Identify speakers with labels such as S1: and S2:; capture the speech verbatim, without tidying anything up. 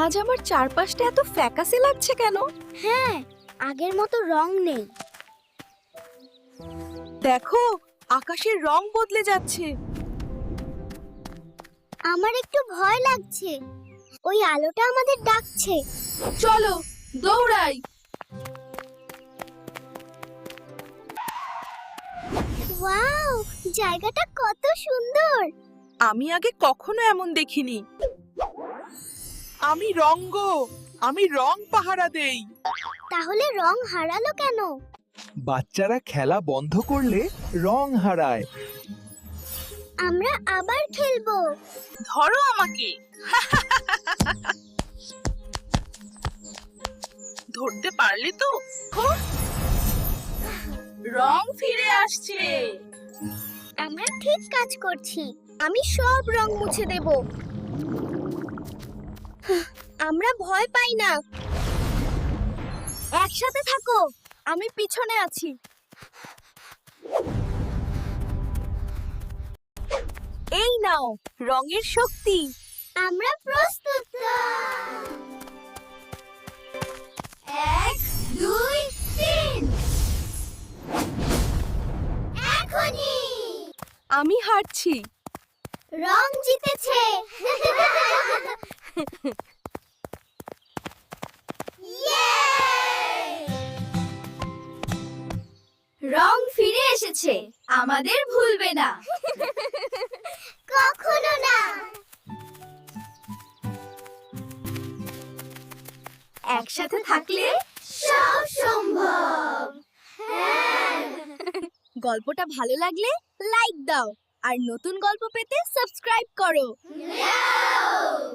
S1: আজ আমার চারপাশটা এত ফ্যাকাসে লাগছে কেন?
S2: হ্যাঁ, আগের মতো রং নেই।
S1: দেখো, আকাশের রং বদলে যাচ্ছে।
S2: আমার একটু ভয় লাগছে। ওই আলোটা আমাদের ডাকছে।
S1: চলো, দৌড়াই।
S2: ওয়াও, জায়গাটা কত সুন্দর।
S1: আমি আগে কখনো এমন দেখিনি। আমি রঙ্গ, আমি রং পাহারা দেই।
S2: তাহলে রং হারালো কেন?
S3: বাচ্চারা খেলা বন্ধ করলে রং হারায়।
S2: আমরা আবার খেলবো।
S1: ধরো আমাকে। ধরতে পারলে তো? রং ফিরে আসছে।
S2: আমরা ঠিক কাজ করছি। আমি সব রং মুছে দেব। আমরা ভয় পাই না। একসাথে থাকো।
S1: আমি পিছনে আছি। এই নাও রঙের শক্তি।
S2: আমরা প্রস্তুত। এক, দুই, তিন। এখনই।
S1: আমি হারছি।
S2: রং জিতেছে।
S4: রং ফিরে এসেছে, আমাদের ভুলবে না।
S2: কখনো না।
S4: একসাথে থাকলে
S2: সব সম্ভব।
S1: গল্পটা ভালো লাগলে লাইক দাও আর নতুন গল্প পেতে সাবস্ক্রাইব করো।
S2: হ্যাঁ।